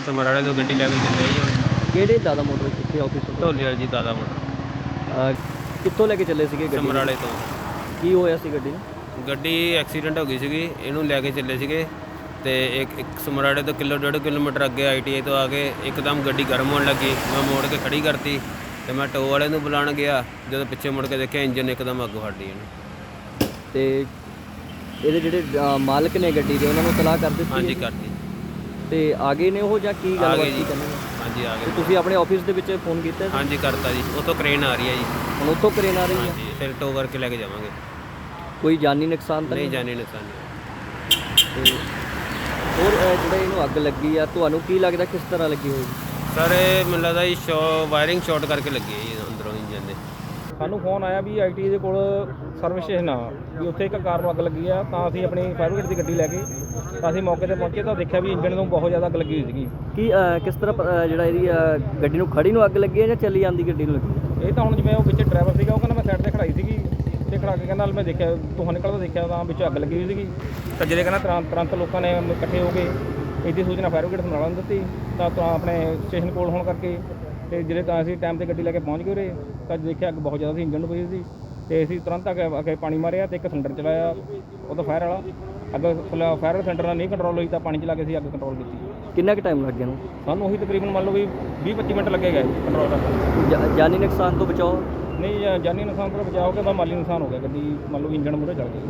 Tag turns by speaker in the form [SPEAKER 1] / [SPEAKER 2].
[SPEAKER 1] ਸਮਰਾਲੇ ਤੋਂ ਗੱਡੀ ਲੈ ਕੇ ਚੱਲੇ ਜੀ ਹੁਣ।
[SPEAKER 2] ਕਿਹੜੇ ਦਾਦਾ ਮੋਟਰ ਕਿੱਥੇ ਆਫਿਸ ਤੋਂ?
[SPEAKER 1] ਢੋਲੀਵਾਲ ਜੀ ਦਾਦਾ ਮੋਟਰ
[SPEAKER 2] ਕਿੱਥੋਂ ਲੈ ਕੇ ਚੱਲੇ ਸੀਗੇ ਗੱਡੀ?
[SPEAKER 1] ਸਮਰਾਲੇ ਤੋਂ।
[SPEAKER 2] ਕੀ ਹੋਇਆ ਸੀ ਗੱਡੀ ਨੂੰ?
[SPEAKER 1] ਗੱਡੀ ਐਕਸੀਡੈਂਟ ਹੋ ਗਈ ਸੀਗੀ, ਇਹਨੂੰ ਲੈ ਕੇ ਚੱਲੇ ਸੀਗੇ ਤੇ ਇੱਕ ਸਮਰਾਲੇ ਤੋਂ 1.5 ਕਿਲੋਮੀਟਰ ਅੱਗੇ ITI ਤੋਂ ਆ ਕੇ ਇੱਕਦਮ ਗੱਡੀ ਗਰਮ ਹੋਣ ਲੱਗੀ। ਮੈਂ ਮੋੜ ਕੇ ਖੜੀ ਕਰਤੀ ਤੇ ਮੈਂ ਟੋ ਵਾਲੇ ਨੂੰ ਬੁਲਾਉਣ ਗਿਆ, ਜਦੋਂ ਪਿੱਛੇ ਮੁੜ ਕੇ ਦੇਖਿਆ ਇੰਜਨ ਇੱਕਦਮ ਅੱਗੋਂ ਹੱਡੀ ਇਹਨੂੰ।
[SPEAKER 2] ਤੇ ਇਹਦੇ ਜਿਹੜੇ ਮਾਲਕ ਨੇ ਗੱਡੀ ਦੇ ਉਹਨਾਂ ਨੂੰ ਤਲਾਹ ਕਰ ਦਿੱਤੀ?
[SPEAKER 1] ਹਾਂਜੀ ਕਰਤੀ।
[SPEAKER 2] ਤੇ ਆ ਗਏ ਨੇ ਉਹ ਜਾਂ ਕੀ
[SPEAKER 1] ਆ
[SPEAKER 2] ਗੱਲਬਾਤ
[SPEAKER 1] ਗਏ
[SPEAKER 2] ਕੀ
[SPEAKER 1] ਜੀ।
[SPEAKER 2] ਕਰਨੀ?
[SPEAKER 1] ਹਾਂਜੀ ਆ
[SPEAKER 2] ਤੇ
[SPEAKER 1] ਗਏ।
[SPEAKER 2] ਤੁਸੀਂ ਆਪਣੇ ਆਫਿਸ ਦੇ ਵਿੱਚ ਫੋਨ ਕੀਤਾ ਸੀ?
[SPEAKER 1] ਹਾਂਜੀ ਕਰਤਾ ਜੀ, ਉੱਥੋਂ ਕ੍ਰੇਨ ਆ ਰਹੀ ਹੈ ਜੀ।
[SPEAKER 2] ਹੁਣ ਉੱਥੋਂ ਕਰੇਨ ਆ ਰਹੀ ਹੈ?
[SPEAKER 1] ਹਾਂਜੀ ਫਿਰ ਟੋ ਕਰਕੇ ਲੈ ਕੇ ਜਾਵਾਂਗੇ।
[SPEAKER 2] ਕੋਈ ਜਾਨੀ ਨੁਕਸਾਨ ਤਾਂ
[SPEAKER 1] ਨਹੀਂ ਜਾਣੀ ਨੁਕਸਾਨ ਨਹੀਂ।
[SPEAKER 2] ਤੇ ਹੋਰ ਜਿਹੜਾ ਇਹਨੂੰ ਅੱਗ ਲੱਗੀ ਆ, ਤੁਹਾਨੂੰ ਕੀ ਲੱਗਦਾ ਕਿਸ ਤਰ੍ਹਾਂ ਲੱਗੀ ਹੋਏਗੀ?
[SPEAKER 1] ਸਰ ਇਹ ਮੈਨੂੰ ਲੱਗਦਾ ਜੀ ਵਾਇਰਿੰਗ ਸ਼ਾਰਟ ਕਰਕੇ ਲੱਗੀ ਹੈ ਜੀ ਅੰਦਰੋਂ ਇੰਜਨ ਦੇ।
[SPEAKER 3] ਸਾਨੂੰ ਫੋਨ ਆਇਆ ਵੀ ITI ਦੇ ਕੋਲ ਸਰਵਿਸ ਸਟੇਸ਼ਨ ਆ ਵੀ ਉੱਥੇ ਇੱਕ ਕਾਰ ਨੂੰ ਅੱਗ ਲੱਗੀ ਆ, ਤਾਂ ਅਸੀਂ ਆਪਣੀ ਫਾਇਰ ਬ੍ਰਿਗੇਡ ਦੀ ਗੱਡੀ ਲੈ ਕੇ ਤਾਂ ਅਸੀਂ ਮੌਕੇ ਤੇ ਪਹੁੰਚੇ ਤਾਂ ਦੇਖਿਆ ਵੀ ਇੰਜਨ ਨੂੰ ਬਹੁਤ ਜ਼ਿਆਦਾ ਅੱਗ ਲੱਗੀ ਹੋਈ ਸੀਗੀ।
[SPEAKER 2] ਕੀ ਕਿਸ ਤਰ੍ਹਾਂ ਜਿਹੜਾ ਇਹਦੀ ਗੱਡੀ ਨੂੰ ਖੜੀ ਨੂੰ ਅੱਗ ਲੱਗੀ ਹੈ ਜਾਂ ਚੱਲੀ ਜਾਂਦੀ ਗੱਡੀ ਨੂੰ ਲੱਗੀ?
[SPEAKER 3] ਇਹ ਤਾਂ ਹੁਣ ਜਿਵੇਂ ਉਹ ਵਿੱਚ ਡਰਾਈਵਰ ਸੀਗਾ, ਉਹ ਕਹਿੰਦਾ ਮੈਂ ਸਾਈਡ ਤੇ ਖੜਾਈ ਸੀਗੀ ਤੇ ਖੜਾ ਕੇ ਕਹਿੰਦਾ ਮੈਂ ਦੇਖਿਆ ਧੂੰਆਂ ਨਿਕਲਦਾ ਦੇਖਿਆ ਤਾਂ ਵਿੱਚ ਅੱਗ ਲੱਗੀ ਹੋਈ ਸੀਗੀ। ਤਾਂ ਜਿਹੜੇ ਕਹਿੰਦਾ ਤੁਰੰਤ ਲੋਕਾਂ ਨੇ ਇਕੱਠੇ ਹੋ ਕੇ ਇਹਦੀ ਸੂਚਨਾ ਫਾਇਰ ਬ੍ਰਿਗੇਡ ਸਮਰਾਲਾ ਨੂੰ ਦਿੱਤੀ ਤਾਂ ਆਪਣੇ ਸਟੇਸ਼ਨ ਕੋਲ ਹੋਣ ਕਰਕੇ ਤੇ ਜਿਹੜੇ ਤਾਂ ਅਸੀਂ ਟਾਈਮ ਤੇ ਗੱਡੀ ਲੈ ਕੇ ਪਹੁੰਚ ਗਏ ਉਰੇ ਤਾਂ ਦੇਖਿਆ ਅੱਗ ਬਹੁਤ ਜ਼ਿਆਦਾ ਸੀ, ਇੰਜਨ ਨੂੰ ਪਈ ਸੀ ਤੇ ਅਸੀਂ ਤੁਰੰਤ ਅੱਗੇ ਪਾਣੀ ਮਾਰਿਆ ਤੇ ਇੱਕ ਸਿਲੰਡਰ ਚਲਾਇਆ ਉਹਦਾ ਫਾਇਰ ਵਾਲਾ। ਅੱਗ ਫਾਇਰ ਸਿਲੰਡਰ ਨਾਲ ਨਹੀਂ ਕੰਟਰੋਲ ਹੋਈ ਤਾਂ ਪਾਣੀ ਚਲਾ ਕੇ ਅਸੀਂ ਅੱਗ ਕੰਟਰੋਲ ਕੀਤੀ।
[SPEAKER 2] ਕਿੰਨਾ ਕੁ ਟਾਈਮ ਲੱਗ ਗਿਆ ਨੂੰ?
[SPEAKER 3] ਸਾਨੂੰ ਉਹੀ ਤਕਰੀਬਨ ਮੰਨ ਲਓ ਵੀ 20-25 ਮਿੰਟ ਲੱਗੇ ਗਏ ਕੰਟਰੋਲ ਕਰਨ।
[SPEAKER 2] ਜਾਨੀ ਨੁਕਸਾਨ ਤੋਂ ਬਚਾਓ?
[SPEAKER 3] ਨਹੀਂ ਜਾਨੀ ਨੁਕਸਾਨ ਤੋਂ ਬਚਾਅ ਹੋ ਗਿਆ, ਤਾਂ ਮਾਲੀ ਨੁਕਸਾਨ ਹੋ ਗਿਆ। ਗੱਡੀ ਮੰਨ ਲਓ ਇੰਜਨ ਮੂਹਰੇ ਚੜ ਗਿਆ।